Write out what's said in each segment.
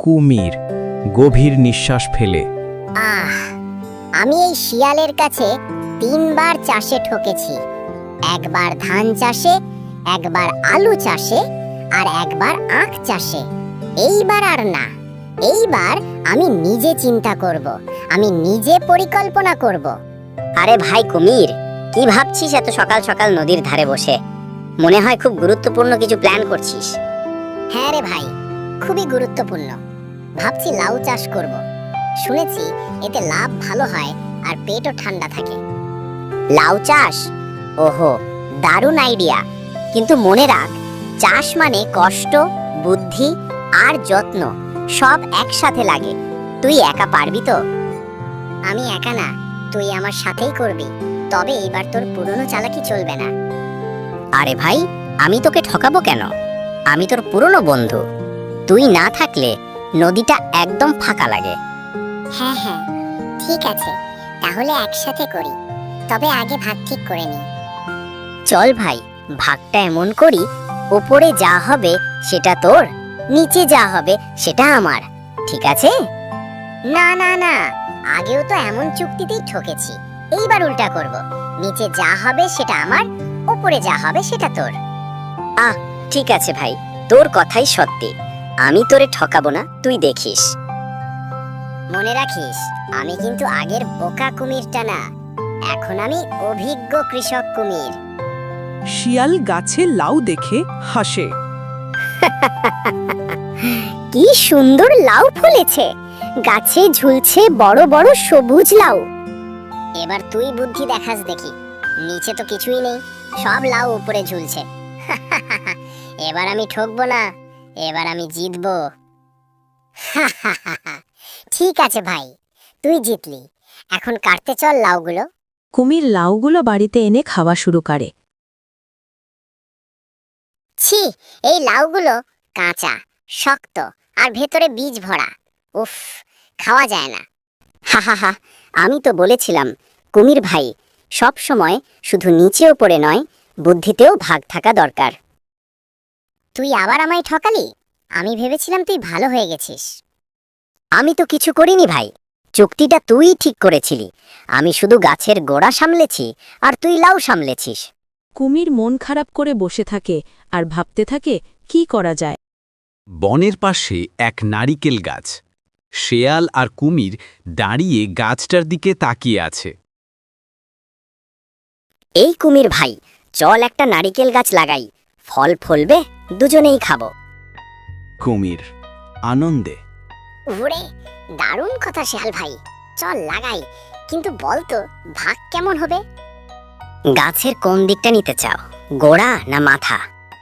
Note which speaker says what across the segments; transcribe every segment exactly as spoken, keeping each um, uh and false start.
Speaker 1: কুমির গভীর নিঃশ্বাস ফেলে।
Speaker 2: আহ আমি এই শিয়ালের কাছে তিনবার চাষে ঠকেছি। একবার ধান চাষে, একবার আলু চাষে, আর একবার আখ চাষে। এইবার আর না, এইবার আমি নিজে চিন্তা করব, আমি নিজে পরিকল্পনা করব।
Speaker 3: আরে ভাই কুমির, কি ভাবছিস এত সকাল সকাল নদীর ধারে বসে? মনে হয় খুব গুরুত্বপূর্ণ কিছু প্ল্যান করছিস।
Speaker 2: হ্যাঁ রে ভাই, খুবই গুরুত্বপূর্ণ। ভাবছি লাউ চাষ করব। শুনেছি এতে লাভ ভালো হয় আর পেটও ঠান্ডা থাকে।
Speaker 3: লাউ চাষ? ওহো, দারুণ আইডিয়া। কিন্তু মনে রাখ, চাষ মানে কষ্ট, বুদ্ধি আর যত্ন সব একসাথে লাগে। তুই একা পারবি তো?
Speaker 2: আমি একা না, তুই আমার সাথেই করবি। তবে এবার তোর পুরনো চালাকি চলবে না।
Speaker 3: আরে ভাই, আমি তোকে ঠকাবো কেন? আমি তোর পুরনো বন্ধু। তুই না থাকলে নদীটা একদম ফাঁকা লাগে।
Speaker 2: হ্যাঁ হ্যাঁ, ঠিক আছে, তাহলে একসাথে করি। তবে আগে ভাগ ঠিক করে নি।
Speaker 3: চল ভাই, ভাগটা এমন করি, উপরে যা হবে সেটা তোর, নিচে যা হবে সেটা আমার। ঠিক আছে?
Speaker 2: না না না, আগেও তো এমন চুক্তিতেই ঠকেছি। এইবার উল্টা করব। নিচে যা হবে সেটা আমার, উপরে যা হবে সেটা তোর।
Speaker 3: আহ ঠিক আছে ভাই, তোর কথাই সত্যি। আমি তোরে ঠকাবো না, তুই দেখিস।
Speaker 2: মনে রাখিস, আমি কিন্তু আগের বোকা কুমিরটা না, এখন আমি অভিজ্ঞ কৃষক কুমির।
Speaker 4: শিয়াল গাছে লাউ দেখে হাসে।
Speaker 2: কি সুন্দর লাউ ফলেছে, গাছে ঝুলছে বড় বড় সবুজ লাউ। এবার তুই বুদ্ধি দেখাস দেখি। নিচে তো কিছুই নেই, সব লাউ উপরে ঝুলছে। এবার আমি ঠকবো না, এবার আমি জিতবো। ঠিক আছে ভাই, তুই জিতলি। এখন কাটতে চল লাউগুলো।
Speaker 5: কুমির লাউগুলো বাড়িতে এনে খাওয়া শুরু করে।
Speaker 2: ছি, এই লাউগুলো কাঁচা, শক্ত আর ভেতরে বীজ ভরা। উফ, খাওয়া যায় না।
Speaker 3: হা হা হা, আমি তো বলেছিলাম কুমির ভাই, সব সময় শুধু নিচে উপরে নয়, বুদ্ধিতেও ভাগ থাকা দরকার।
Speaker 2: তুই আবার আমায় ঠকালি। আমি ভেবেছিলাম তুই ভালো হয়ে গেছিস।
Speaker 3: আমি তো কিছু করিনি ভাই, চুক্তিটা তুই ঠিক করেছিলি। আমি শুধু গাছের গোড়া সামলেছি আর তুই লাউ সামলেছিস।
Speaker 5: কুমির মন খারাপ করে বসে থাকে আর ভাবতে থাকে কি করা যায়।
Speaker 1: বনের পাশে এক নারিকেল গাছ। শেয়াল আর কুমির দাঁড়িয়ে গাছটার দিকে তাকিয়ে আছে।
Speaker 3: এই কুমির ভাই, চল একটা নারিকেল গাছ লাগাই, ফল ফলবে, দুজনেই খাবো।
Speaker 1: কুমির আনন্দে।
Speaker 2: ওরে, দারুণ কথা শেয়াল ভাই, চল লাগাই। কিন্তু বল তো, ভাগ কেমন হবে?
Speaker 3: গাছের কোন দিকটা নিতে চাও, গোড়া না মাথা?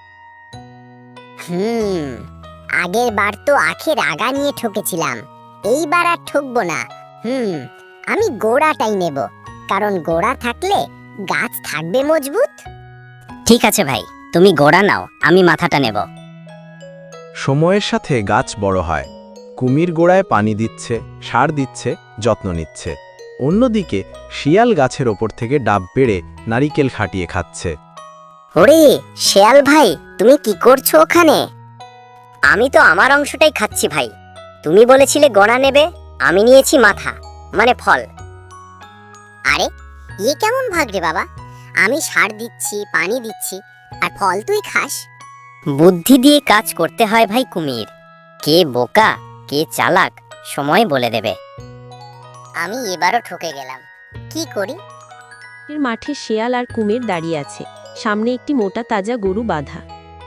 Speaker 2: হুম আগের বার তো আখের আগা নিয়ে ঠকেছিলাম, এইবার আর ঠকবো না। হুম আমি গোড়াটাই নেব, কারণ গোড়া থাকলে গাছ থাকবে মজবুত।
Speaker 3: ঠিক আছে ভাই, তুমি গোড়া নাও, আমি মাথাটা নেব।
Speaker 6: সময়ের সাথে গাছ বড় হয়। কুমির গোড়ায় পানি দিচ্ছে, সার দিচ্ছে, যত্ন নিচ্ছে। অন্যদিকে শিয়াল গাছের ওপর থেকে ডাব পেড়ে নারিকেল খাটিয়ে খাচ্ছে।
Speaker 3: ওরে শেয়াল ভাই, তুমি কি করছো ওখানে? আমি তো আমার অংশটাই খাচ্ছি ভাই। তুমি বলেছিলে গোড়া নেবে, আমি নিয়েছি মাথা, মানে ফল।
Speaker 2: আরে ইয়ে কেমন ভাগ রে বাবা? আমি সার দিচ্ছি, পানি দিচ্ছি, আর ফল তুই খাস।
Speaker 3: বুদ্ধি দিয়ে কাজ করতে হয় ভাই কুমির। কে বোকা কে চালাক সময় বলে দেবে।
Speaker 2: আমি এবারও ঠকে গেলাম, কি করি?
Speaker 5: এর মাঠে শেয়াল আর কুমির দাঁড়িয়ে আছে, সামনে একটি মোটা তাজা গরু বাঁধা।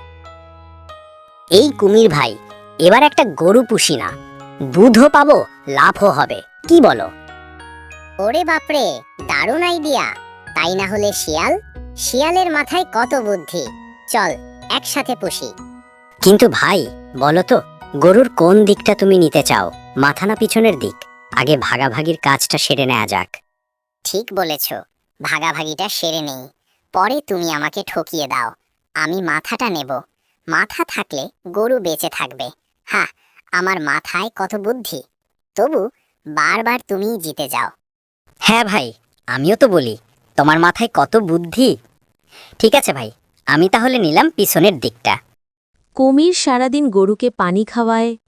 Speaker 3: এই কুমির ভাই, এবার একটা গরু পুষি না, দুধও পাবো, লাভও হবে, কি বলো?
Speaker 2: ওরে বাপরে, দারুণ আইডিয়া। তাই না হলে শিয়াল, শিয়ালের মাথায় কত বুদ্ধি। চল একসাথে পুষি।
Speaker 3: কিন্তু ভাই বলো তো, গরুর কোন দিকটা তুমি নিতে চাও, মাথা না পিছনের দিক? আগে ভাগাভাগির কাজটা সেরে নেওয়া যাক।
Speaker 2: ঠিক বলেছ, ভাগাভাগিটা সেরে নেই, পরে তুমি আমাকে ঠকিয়ে দাও। আমি মাথাটা নেব, মাথা থাকলে গরু বেঁচে থাকবে। হ্যাঁ, আমার মাথায় কত বুদ্ধি, তবু বারবার তুমিই জিতে যাও।
Speaker 3: হ্যাঁ ভাই, আমিও তো বলি তোমার মাথায় কত বুদ্ধি। ঠিক আছে ভাই, আমি তাহলে নিলাম পিছনের দিকটা।
Speaker 5: কুমির সারাদিন গরুকে পানি খাওয়ায়,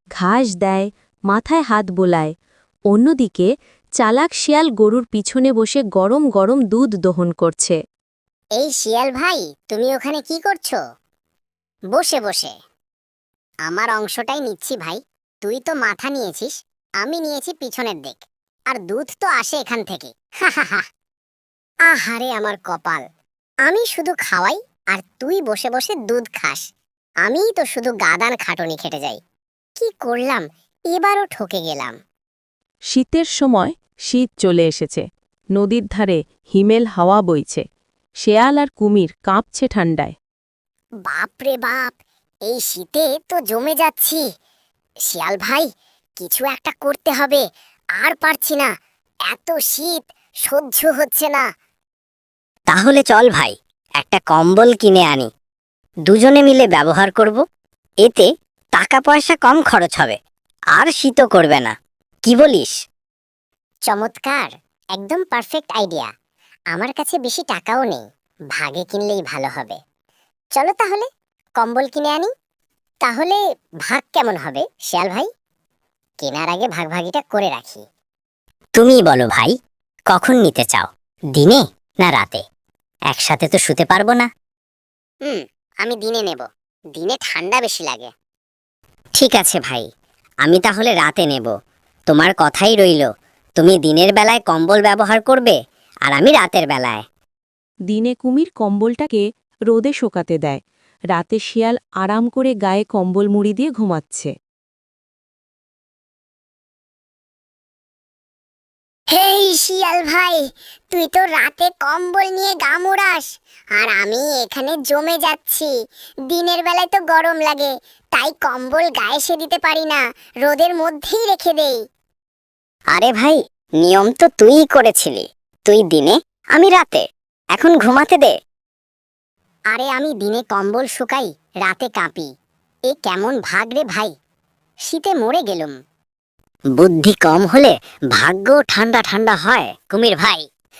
Speaker 5: ঘাস দেয়, মাথায় হাত বোলায়। অন্যদিকে চালাক শিয়াল গরুর পিছনে বসে গরম গরম দুধ দহন করছে।
Speaker 2: এই শিয়াল ভাই, তুমি ওখানে কি করছো? বসে বসে আমার অংশটাই নিচ্ছি ভাই। তুই তো মাথা নিয়েছিস, আমি নিয়েছি পিছনের দিক, আর দুধ তো আসে এখান থেকে। হা হা হা। আহারে আমার কপাল, আমি শুধু খাওয়াই আর তুই বসে বসে দুধ খাস। আমিই তো শুধু গাদান খাটনি খেটে যাই। কি করলাম, এবারও ঠকে গেলাম।
Speaker 5: শীতের সময় শীত চলে এসেছে। নদীর ধারে হিমেল হাওয়া বইছে। শেয়াল আর কুমির কাঁপছে ঠান্ডায়।
Speaker 2: বাপ রে বাপ, এই শীতে তো জমে যাচ্ছি। শিয়াল ভাই, কিছু একটা করতে হবে, আর পারছি না, এত শীত সহ্য হচ্ছে না।
Speaker 3: তাহলে চল ভাই, একটা কম্বল কিনে আনি, দুজনে মিলে ব্যবহার করব। এতে টাকা পয়সা কম খরচ হবে, আর শীতও করবে না। কি বলিস?
Speaker 2: চমৎকার, একদম পারফেক্ট আইডিয়া। আমার কাছে বেশি টাকাও নেই, ভাগে কিনলেই ভালো হবে। চলো তাহলে কম্বল কিনে আনি। তাহলে ভাগ কেমন হবে শিয়াল ভাই? কেনার আগে ভাগভাগিটা করে রাখি।
Speaker 3: তুমিই বলো ভাই, কখন নিতে চাও, দিনে না রাতে? একসাথে তো শুতে পারবো না।
Speaker 2: হুম, আমি দিনে নেব, দিনে ঠান্ডা বেশি লাগে।
Speaker 3: ঠিক আছে ভাই, আমি তাহলে রাতে নেব। তোমার কথাই রইল, তুমি দিনের বেলায় কম্বল ব্যবহার করবে, আর আমি রাতের বেলায়।
Speaker 5: দিনে কুমির কম্বলটাকে রোদে শোকাতে দেয়। রাতে শিয়াল আরাম করে গায়ে কম্বল মুড়ি দিয়ে ঘুমাচ্ছে।
Speaker 2: হেই শিয়াল ভাই, তুই তো রাতে কম্বল নিয়ে গা মোড়াস, আর আমি এখানে জমে যাচ্ছি। দিনের বেলায় তো গরম লাগে, তাই কম্বল গায়ে সে দিতে পারি না, রোদের মধ্যেই রেখে দেই।
Speaker 3: আরে ভাই, নিয়ম তো তুইই করেছিলি, তুই দিনে আমি রাতে, এখন ঘুমাতে দে।
Speaker 2: আরে আমি দিনে কম্বল শুকাই, রাতে কাঁপি। এ কেমন ভাগ রে ভাই, শীতে মরে গেলুম।
Speaker 3: বুদ্ধি কম হলে ভাগ্য ঠান্ডা ঠান্ডা হয় কুমির ভাই।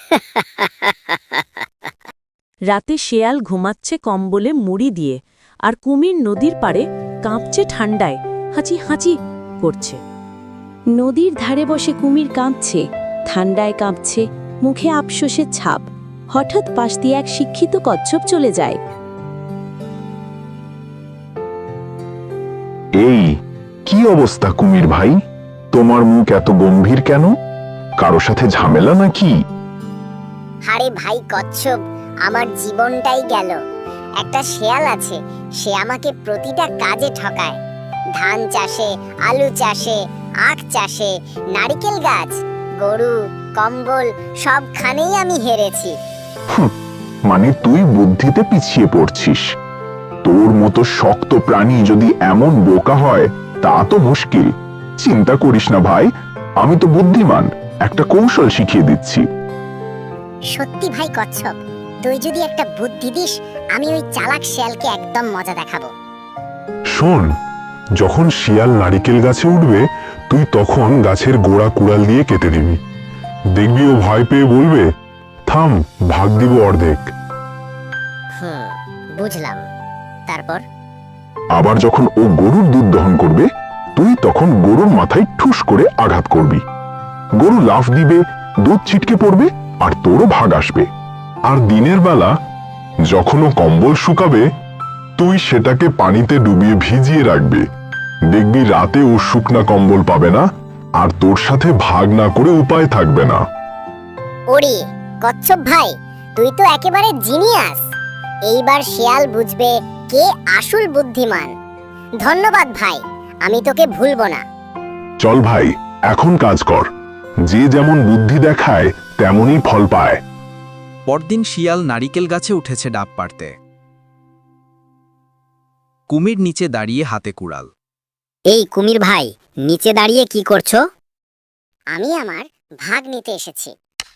Speaker 5: রাতে শেয়াল ঘুমাচ্ছে কম্বলে মুড়ি দিয়ে, আর কুমির নদীর পাড়ে কাঁপছে ঠান্ডায়, হাঁচি হাঁচি করছে। নদীর ধারে বসে কুমির কাঁপছে, ঠান্ডায় কাঁপছে, মুখে আফসোসের ছাপ। হঠাৎ পাশ দিয়ে এক শিক্ষিত কচ্ছপ চলে যায়।
Speaker 7: এই কি অবস্থা কুমির ভাই, তোমার মুখ এত গম্ভীর কেন? কারো সাথে ঝামেলা নাকি?
Speaker 2: আরে ভাই কচ্ছপ, আমার জীবনটাই গেল। একটা শেয়াল আছে, সে আমাকে প্রতিটা কাজে ঠকায়। ধান চাষে, আলু চাষে, আখ চাষে, নারিকেল গাছ, গরু, কম্বল সবখানেই আমি হেরেছি।
Speaker 7: হুঁ, মানে তুই বুদ্ধিতে পিছিয়ে পড়ছিস। তোর মতো শক্ত প্রাণী যদি এমন বোকা হয়, তা তো মুশকিল। চিন্তা করিস না ভাই, আমি তো বুদ্ধিমান, একটা কৌশল শিখিয়ে দিচ্ছি।
Speaker 2: সত্যি ভাই কচ্ছপ, তুই যদি একটা বুদ্ধি দিস, আমি ওই চালাক শিয়ালকে একদম মজা দেখাবো।
Speaker 7: শোন, যখন শিয়াল নারিকেল গাছে উঠবে, তুই তখন গাছের গোড়া কুড়াল দিয়ে কেটে দিবি। দেখবি ও ভয় পেয়ে বলবে, থাম, ভাগ দিব অর্ধেক।
Speaker 2: হুম, বুঝলাম। তারপর?
Speaker 7: আবার যখন ও গরুর দুধ দহন করবে, তুই তখন গরুর মাথায় ঠুস করে আঘাত করবি। গরু লাফ দিবে, দুধ ছিটকে পড়বে, আর তোরও ভাগ আসবে। আর দিনের বেলা যখন ও কম্বল শুকাবে, তুই সেটাকে পানিতে ডুবিয়ে ভিজিয়ে রাখবে। দেখবি রাতে ও শুকনা কম্বল পাবে না, আর তোর সাথে ভাগ না করে উপায় থাকবে না।
Speaker 2: ওরে কচ্ছপ ভাই, তুই তো একেবারে জিনিয়াস। এইবার শিয়াল বুঝবে কে আসল বুদ্ধিমান। ধন্যবাদ ভাই, আমি তোকে ভুলবো না।
Speaker 7: চল ভাই, এখন কাজ কর। যে যেমন বুদ্ধি দেখায় তেমনই ফল পায়।
Speaker 1: পরদিন শিয়াল নারিকেল গাছে উঠেছে ডাব পাড়তে। কুমির নিচে দাঁড়িয়ে হাতে কুড়াল।
Speaker 3: এই কুমির ভাই, নিচে দাঁড়িয়ে কি করছো?
Speaker 2: আমি আমার ভাগ নিতে এসেছি।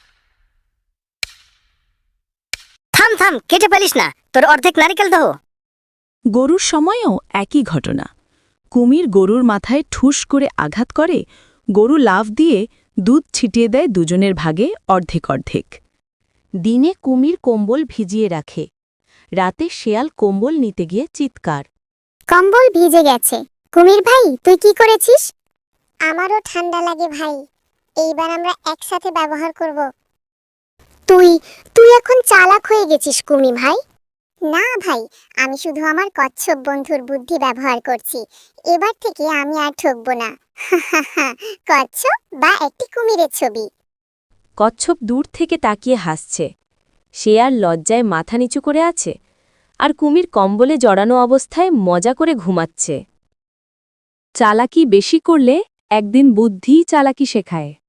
Speaker 3: থাম থাম, কেটে ফেলিস না, তোর অর্ধেক নারিকেল দহ।
Speaker 4: গরুর সময়ও একই ঘটনা। কুমির গরুর মাথায় ঠুস করে আঘাত করে, গরু লাফ দিয়ে দুধ ছিটিয়ে দেয় দুজনের ভাগে অর্ধেক অর্ধেক।
Speaker 5: দিনে কুমির কম্বল ভিজিয়ে রাখে, রাতে শেয়াল কম্বল নিতে গিয়ে চিৎকার।
Speaker 2: কম্বল ভিজে গেছে, কুমির ভাই তুই কি করেছিস? আমারও ঠান্ডা লাগে ভাই, এইবার আমরা একসাথে ব্যবহার করব। তুই তুই এখন চালাক হয়ে গেছিস কুমি ভাই। না ভাই, আমি শুধু আমার কচ্ছপ বন্ধুর বুদ্ধি ব্যবহার করছি। এবার থেকে আমি আর ঠকবো না। কচ্ছপ বা একটি কুমিরের ছবি।
Speaker 5: কচ্ছপ দূর থেকে তাকিয়ে হাসছে। শেয়াল লজ্জায় মাথা নিচু করে আছে, আর কুমির কম্বলে জড়ানো অবস্থায় মজা করে ঘুমাচ্ছে। চালাকি বেশি করলে একদিন বুদ্ধিই চালাকি শেখায়।